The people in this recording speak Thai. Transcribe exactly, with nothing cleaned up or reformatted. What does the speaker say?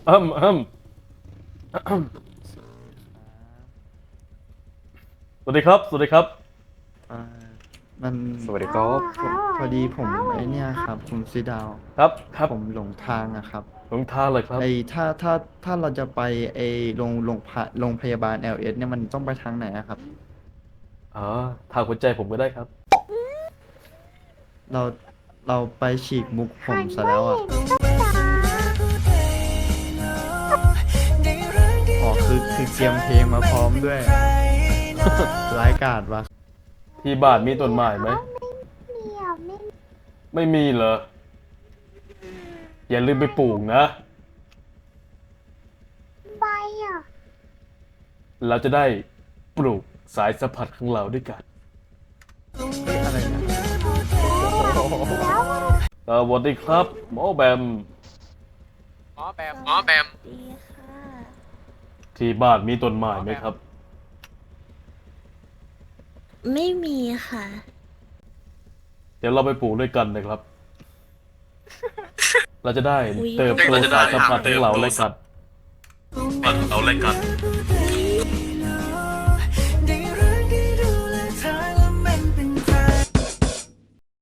อืมอืมอืมสวัสดีครับสวัสดีครับอ่ามันสวัสดีครับพอพอดีผมไอเนี่ยครับคุณซีดาวครับครับผมหลงทางอะครับหลงทางเลยครับไอถ้าถ้าถ้าเราจะไปไอโรงโรงพะโรงพยาบาล แอล เอส เนี่ยมันต้องไปทางไหนอะครับอ๋อทางหัวใจผมก็ได้ครับเราเราไปฉีกมุกผหัมนไม่ซะแล้วอะเห็นก็ตาอ๋อคือคือเตรียมเพลงมาพร้อมด้วยร้ายกาจวะที่บ้านมีต้นไม้ไหมเขาไม่มีอ่ะไม่มีไม่มีเหรออย่าลืมไปปลูกนะใบอ่ะเราจะได้ปลูกสายสัมผัสของเราด้วยกันเฮ้ยอะไรเนี่ยแล้วสวัสดีครับหมอแบมหมอแบมหมอแบมดีค่ะที่บ้านมีต้นหมไม้อแบมไหมครับไม่มีค่ะเดี๋ยวเราไปปลูกด้วยกันนะครับ เราจะได้อุ๊ยเติบโตสายสัมพันธ์ของเราและกันเราเล่นกัน